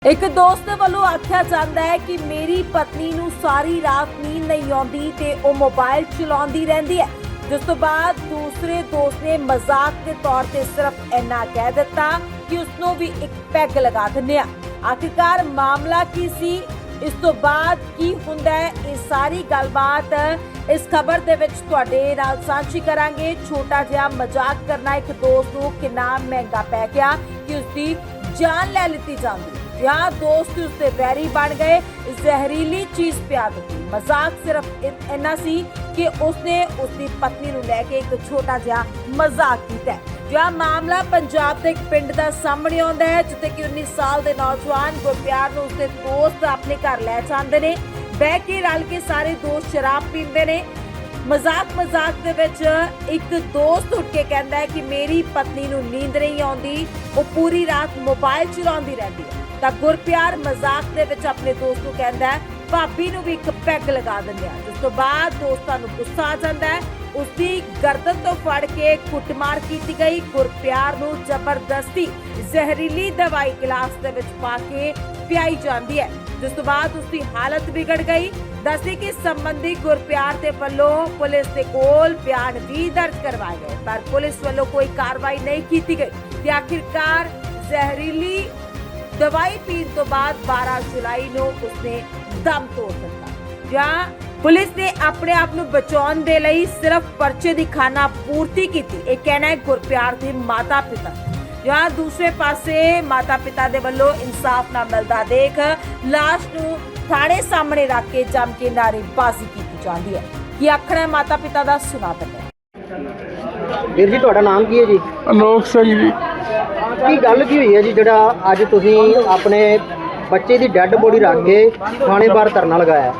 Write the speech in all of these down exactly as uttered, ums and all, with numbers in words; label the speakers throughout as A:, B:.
A: एक दोस्त वालों आख्या जाता है कि मेरी पत्नी नूं सारी रात नींद नहीं आती ते ओ मोबाइल चलाती रहती है। जिस तो बाद दूसरे दोस्त ने मजाक के तौर पर सिर्फ इन्ना कह दिता कि उसनों भी एक पैग लगा दिंदे आ। आखिरकार मामला की सी, इस तो बाद की हुंदा है, ये सारी गलबात इस खबर दे विच तुहाडे नाल सांझी करांगे। छोटा जिहा मजाक करना एक दोस्त नूं किन्ना महंगा पै गया कि उसकी जान ले लिती जाती। यहाँ दोस्त उसके वैरी बन गए, जहरीली चीज पिया दी। मजाक सिर्फ इन्ना सी कि उसने उसकी पत्नी नूं लैके एक छोटा जिहा मजाक किया। जहाँ मामला पंजाब के एक पिंड का सामने आता है, जिथे कि उन्नीस साल के नौजवान गुरप्यार नूं उसके दोस्त अपने घर लै जाते हैं। बह के रल के सारे दोस्त शराब पींदे ने। मजाक मजाक दे विच एक दोस्त उठ के कहता है कि मेरी पत्नी नूं नींद नहीं आती, वो पूरी रात मोबाइल चलाती रहती है। तो गुरप्यार मजाक दे विच अपने दोस्त नूं कहता है भाभी नूं भी एक पैग लगा दिंदे आ। जिस तो बाद दोस्तां नूं गुस्सा आ जाता है, उसकी गर्दन तो फड़ के कुटमार की गई। गुरप्यार नूं जबरदस्ती जहरीली दवाई गिलास दे विच पा के पियाई जाती है। जिस तो बाद उसकी हालत बिगड़ गई। दसी कि संबंधी गुरप्यार के वलों पुलिस के कोल बयान भी दर्ज करवाए गए, पर पुलिस वलों कोई कार्रवाई नहीं की गई। आखिरकार जहरीली दवाई पीने तो बाद बारह जुलाई को उसने दम तोड़ दिता। जहां पुलिस ने अपने आप को बचाने के लिए सिर्फ पर्चे की खाना पूर्ति की थी। यह कहना है गुरप्यार के माता पिता। जहां दूसरे पासे माता पिता के वलों इंसाफ ना मिलता देख लाश को थाने सामने रख के जम के नारेबाजी की जाती है। कि आखना है माता पिता का सुना दिंदे।
B: ਵੀਰ ਜੀ ਤੁਹਾਡਾ ਨਾਮ ਕੀ ਹੈ ਜੀ?
C: ਅਨੋਖ ਸਿੰਘ ਜੀ।
B: ਕੀ ਗੱਲ ਕੀ ਹੋਈ ਹੈ ਜੀ ਜਿਹੜਾ ਅੱਜ ਤੁਸੀਂ ਆਪਣੇ ਬੱਚੇ ਦੀ ਡੈੱਡ ਬੋਡੀ ਰੱਖ ਕੇ ਥਾਣੇ ਬਾਹਰ ਧਰਨਾ ਲਗਾਇਆ?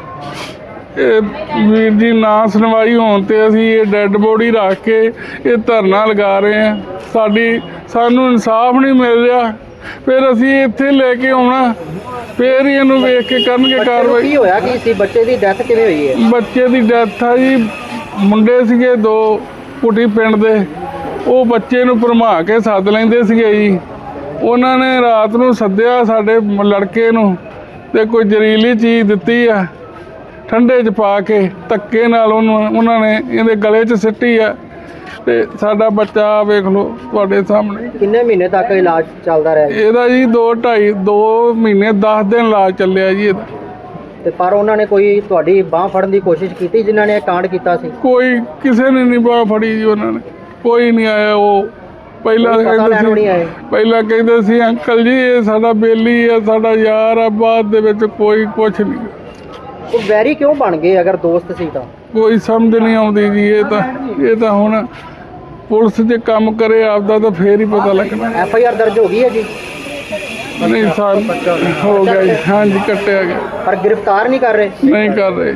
C: ਇਹ ਵੀਰ ਜੀ ਨਾ ਸੁਣਵਾਈ ਹੋਣ ਤੇ ਅਸੀਂ ਇਹ ਡੈੱਡ ਬੋਡੀ ਰੱਖ ਕੇ ਇਹ ਧਰਨਾ ਲਗਾ ਰਹੇ ਹਾਂ। ਸਾਡੀ ਸਾਨੂੰ ਇਨਸਾਫ ਨਹੀਂ ਮਿਲ ਰਿਹਾ, ਫਿਰ ਅਸੀਂ ਇੱਥੇ ਲੈ ਕੇ ਆਉਣਾ, ਫਿਰ ਹੀ ਇਹਨੂੰ ਵੇਖ ਕੇ ਕਰਨਗੇ ਕਾਰਵਾਈ।
B: ਕੀ ਹੋਇਆ ਕੀ ਸੀ? ਬੱਚੇ ਦੀ ਡੈਥ ਕਿਵੇਂ ਹੋਈ ਹੈ?
C: ਬੱਚੇ ਦੀ ਡੈਥ ਆ ਜੀ, ਮੁੰਡੇ ਸੀਗੇ ਦੋ ਕੁਟੀ ਪਿੰਡ ਦੇ, ਉਹ ਬੱਚੇ ਨੂੰ ਭਰਮਾ ਕੇ ਸੱਦ ਲੈਂਦੇ ਸੀਗੇ ਜੀ। ਉਹਨਾਂ ਨੇ ਰਾਤ ਨੂੰ ਸੱਦਿਆ ਸਾਡੇ ਲੜਕੇ ਨੂੰ ਤੇ ਕੋਈ ਜ਼ਹਿਰੀਲੀ ਚੀਜ਼ ਦਿੱਤੀ ਆ ਠੰਡੇ 'ਚ ਪਾ ਕੇ, ਧੱਕੇ ਨਾਲ ਉਹਨੂੰ ਉਹਨਾਂ ਨੇ ਇਹਦੇ ਗਲੇ 'ਚ ਸਿੱਟੀ ਆ ਤੇ ਸਾਡਾ ਬੱਚਾ ਵੇਖ ਲਓ ਤੁਹਾਡੇ ਸਾਹਮਣੇ।
B: ਕਿੰਨੇ ਮਹੀਨੇ ਤੱਕ ਇਲਾਜ ਚੱਲਦਾ ਰਿਹਾ?
C: ਇਹਦਾ ਜੀ ਦੋ ਢਾਈ ਦੋ ਮਹੀਨੇ ਦਸ ਦਿਨ ਇਲਾਜ ਚੱਲਿਆ ਜੀ ਇਹਦਾ।
B: ਤੇ ਪਰ ਉਹਨਾਂ ਨੇ ਕੋਈ ਤੁਹਾਡੀ ਬਾਂਹ ਫੜਨ ਦੀ ਕੋਸ਼ਿਸ਼ ਕੀਤੀ ਜਿਨ੍ਹਾਂ ਨੇ ਇਹ ਕਾਂਡ ਕੀਤਾ ਸੀ?
C: ਕੋਈ ਕਿਸੇ ਨੇ ਨਹੀਂ ਬਾਂਹ ਫੜੀ ਜੀ, ਉਹਨਾਂ ਨੇ ਕੋਈ ਨਹੀਂ ਆਇਆ। ਉਹ ਪਹਿਲਾਂ ਕਹਿੰਦੇ ਸੀ ਪਹਿਲਾਂ ਕਹਿੰਦੇ ਸੀ ਅੰਕਲ ਜੀ ਇਹ ਸਾਡਾ ਬੇਲੀ ਆ, ਸਾਡਾ ਯਾਰ ਆ, ਬਾਅਦ ਦੇ ਵਿੱਚ ਕੋਈ ਕੁਛ ਨਹੀਂ।
B: ਉਹ ਵੈਰੀ ਕਿਉਂ ਬਣ ਗਏ ਅਗਰ ਦੋਸਤ ਸੀ ਤਾਂ?
C: ਕੋਈ ਸਮਝ ਨਹੀਂ ਆਉਂਦੀ ਜੀ। ਇਹ ਤਾਂ ਇਹ ਤਾਂ ਹੁਣ ਪੁਲਿਸ ਜੇ ਕੰਮ ਕਰੇ ਆਪਦਾ ਤਾਂ ਫੇਰ ਹੀ ਪਤਾ ਲੱਗਣਾ।
B: ਐਫ ਆਈ ਆਰ ਦਰਜ ਹੋ ਗਈ ਹੈ ਜੀ?
C: ਨਹੀਂ ਸਰ ਹੋ ਗਿਆ ਜੀ, ਹਾਂਜੀ ਕੱਟਿਆ ਗਿਆ।
B: ਪਰ ਗ੍ਰਿਫਤਾਰ ਨਹੀਂ ਕਰ ਰਹੇ?
C: ਨਹੀਂ ਕਰ ਰਹੇ।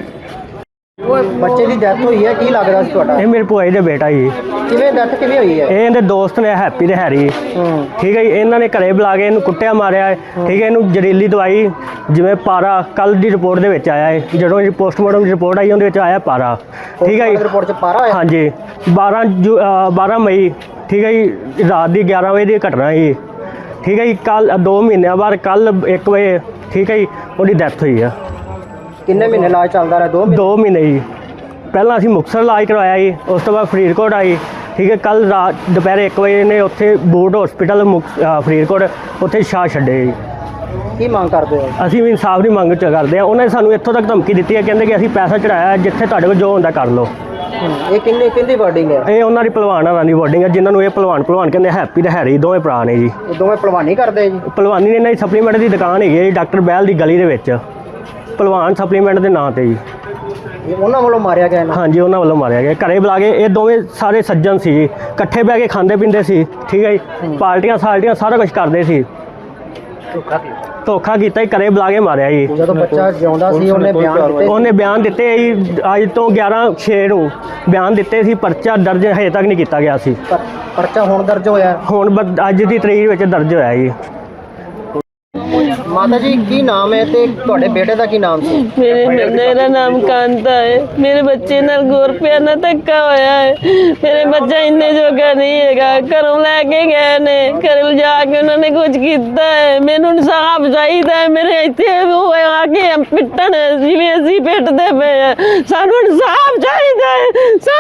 B: ਉਹ ਬੱਚੇ ਦੀ ਡੈਥ ਹੋਈ ਹੈ, ਕੀ ਲੱਗਦਾ ਸੀ ਤੁਹਾਡਾ?
D: ਇਹ ਮੇਰੇ ਭੂਆ ਦਾ ਬੇਟਾ ਜੀ।
B: ਕਿਵੇਂ ਡੈਥ ਕਿਵੇਂ ਹੋਈ ਹੈ?
D: ਇਹ ਇਹਦੇ ਦੋਸਤ ਨੇ ਹੈਪੀ ਤੇ ਹੈਰੀ, ਠੀਕ ਹੈ ਜੀ। ਇਹਨਾਂ ਨੇ ਘਰੇ ਬੁਲਾ ਕੇ ਇਹਨੂੰ ਕੁੱਟਿਆ ਮਾਰਿਆ ਹੈ, ਠੀਕ ਹੈ। ਇਹਨੂੰ ਜ਼ਹਿਰੀਲੀ ਦਵਾਈ ਜਿਵੇਂ ਪਾਰਾ ਕੱਲ ਦੀ ਰਿਪੋਰਟ ਦੇ ਵਿੱਚ ਆਇਆ ਹੈ, ਜਦੋਂ ਇਹ ਪੋਸਟਮਾਰਟਮ ਦੀ ਰਿਪੋਰਟ ਆਈ ਉਹਦੇ ਵਿੱਚ ਆਇਆ ਪਾਰਾ, ਠੀਕ ਹੈ ਜੀ।
B: ਰਿਪੋਰਟ 'ਚ ਪਾਰਾ ਆਇਆ?
D: ਹਾਂਜੀ ਬਾਰਾਂ ਜੂ ਬਾਰਾਂ ਮਈ, ਠੀਕ ਹੈ ਜੀ। ਰਾਤ ਦੀ ਗਿਆਰਾਂ ਵਜੇ ਦੀ ਘਟਨਾ ਜੀ, ਠੀਕ ਹੈ ਜੀ। ਕੱਲ ਦੋ ਮਹੀਨਿਆਂ ਬਾਅਦ ਕੱਲ ਇੱਕ ਵਜੇ, ਠੀਕ ਹੈ ਜੀ, ਉਹਦੀ ਡੈਥ ਹੋਈ ਆ।
B: ਕਿੰਨੇ ਮਹੀਨੇ ਇਲਾਜ ਚੱਲਦਾ ਰਿਹਾ? ਦੋ ਮਹੀਨੇ
D: ਦੋ ਮਹੀਨੇ ਜੀ। ਪਹਿਲਾਂ ਅਸੀਂ ਮੁਕਤਸਰ ਇਲਾਜ ਕਰਵਾਇਆ ਜੀ, ਉਸ ਤੋਂ ਬਾਅਦ ਫਰੀਦਕੋਟ ਆਈ, ਠੀਕ ਹੈ। ਕੱਲ ਰਾਤ ਦੁਪਹਿਰੇ ਇੱਕ ਵਜੇ ਨੇ ਉੱਥੇ ਬੋਰਡ ਹਸਪੀਟਲ ਫਰੀਦਕੋਟ ਉੱਥੇ ਛਾਂ ਛੱਡੇ ਜੀ।
B: ਕੀ ਮੰਗ ਕਰਦੇ ਹੋ?
D: ਅਸੀਂ ਵੀ ਇਨਸਾਫ ਦੀ ਮੰਗ ਚ ਕਰਦੇ ਹਾਂ। ਉਹਨਾਂ ਨੇ ਸਾਨੂੰ ਇੱਥੋਂ ਤੱਕ ਧਮਕੀ ਦਿੱਤੀ ਹੈ, ਕਹਿੰਦੇ ਕਿ ਅਸੀਂ ਪੈਸਾ ਚੜਾਇਆ, ਜਿੱਥੇ ਤੁਹਾਡੇ ਕੋਲ ਜੋ ਹੁੰਦਾ ਕਰ ਲਓ।
B: ਇਹ ਕਿੰਨੇ ਕਿੰਦੀ ਵਰਡਿੰਗ ਹੈ?
D: ਇਹ ਉਹਨਾਂ ਦੀ ਭਲਵਾਨਾਂ ਦੀ ਵਰਡਿੰਗ ਹੈ, ਜਿਨ੍ਹਾਂ ਨੂੰ ਇਹ ਭਲਵਾਨ ਭਲਵਾਨ ਕਹਿੰਦੇ। ਹੈਪੀ ਤੇ ਹੈਰੀ ਦੋਵੇਂ ਭਰਾ ਨੇ ਜੀ।
B: ਇਹ ਦੋਵੇਂ ਭਲਵਾਨੀ ਕਰਦੇ ਜੀ?
D: ਭਲਵਾਨੀ ਨੇ ਇਹਨਾਂ ਦੀ ਸਪਲੀਮੈਂਟ ਦੀ ਦੁਕਾਨ ਹੈਗੀ ਹੈ ਜੀ, ਡਾਕਟਰ ਬਹਿਲ ਦੀ ਗਲੀ ਦੇ ਵਿੱਚ, ਭਲਵਾਨ ਸਪਲੀਮੈਂਟ ਦੇ ਨਾਂ ਤੇ ਜੀ।
B: ਉਹਨਾਂ ਵੱਲੋਂ ਮਾਰਿਆ ਗਿਆ?
D: ਹਾਂਜੀ ਉਹਨਾਂ ਵੱਲੋਂ ਮਾਰਿਆ ਗਿਆ। ਘਰੇ ਬੁਲਾ ਕੇ ਇਹ ਦੋਵੇਂ ਸਾਰੇ ਸੱਜਣ ਸੀ ਜੀ, ਇਕੱਠੇ ਬਹਿ ਕੇ ਖਾਂਦੇ ਪੀਂਦੇ ਸੀ, ਠੀਕ ਹੈ ਜੀ। ਪਾਰਟੀਆਂ ਸਾਲਟੀਆਂ ਸਾਰਾ ਕੁਝ ਕਰਦੇ ਸੀ। ਧੋਖਾ ਕੀਤਾ ਹੀ, ਘਰੇ ਬੁਲਾ ਕੇ ਮਾਰਿਆ ਜੀ।
B: ਜਦੋਂ ਬੱਚਾ ਜਿਉਂਦਾ ਸੀ ਉਹਨੇ ਬਿਆਨ ਦਿੱਤੇ?
D: ਉਹਨੇ ਬਿਆਨ ਦਿੱਤੇ ਜੀ, ਅੱਜ ਤੋਂ ਗਿਆਰਾਂ ਛੇ ਨੂੰ ਬਿਆਨ ਦਿੱਤੇ ਸੀ। ਪਰਚਾ ਦਰਜ ਹਜੇ ਤੱਕ ਨਹੀਂ ਕੀਤਾ ਗਿਆ ਸੀ।
B: ਪਰਚਾ ਹੁਣ ਦਰਜ ਹੋਇਆ?
D: ਹੁਣ ਬ- ਅੱਜ ਦੀ ਤਰੀਕ ਵਿੱਚ ਦਰਜ ਹੋਇਆ ਜੀ।
B: ਮਾਤਾ ਜੀ ਕੀ ਨਾਮ ਹੈ ਤੇ ਤੁਹਾਡੇ ਬੇਟੇ ਦਾ ਕੀ ਨਾਮ ਸੀ?
E: ਮੇਰੇ ਮੇਰਾ ਨਾਮ ਕਾਂਤਾ ਹੈ। ਮੇਰੇ ਬੱਚੇ ਨਾਲ ਗੁਰਪਿਆ ਨਾਲ ਧੱਕਾ ਹੋਇਆ ਹੈ। ਮੇਰੇ ਬੱਚਾ ਇੰਨੇ ਜੋਗਾ ਨਹੀਂ ਹੈਗਾ। ਘਰੋਂ ਲੈ ਕੇ ਗਏ ਨੇ, ਘਰ ਲਿਜਾ ਕੇ ਉਹਨਾਂ ਨੇ ਕੁਝ ਕੀਤਾ ਹੈ। ਮੈਨੂੰ ਇਨਸਾਫ ਚਾਹੀਦਾ ਹੈ। ਮੇਰੇ ਇੱਥੇ ਉਹ ਆ ਕੇ ਪਿੱਟਣ ਜਿਵੇਂ ਅਸੀਂ ਪਿੱਟਦੇ ਪਏ ਆ। ਸਾਨੂੰ ਇਨਸਾਫ ਚਾਹੀਦਾ ਹੈ।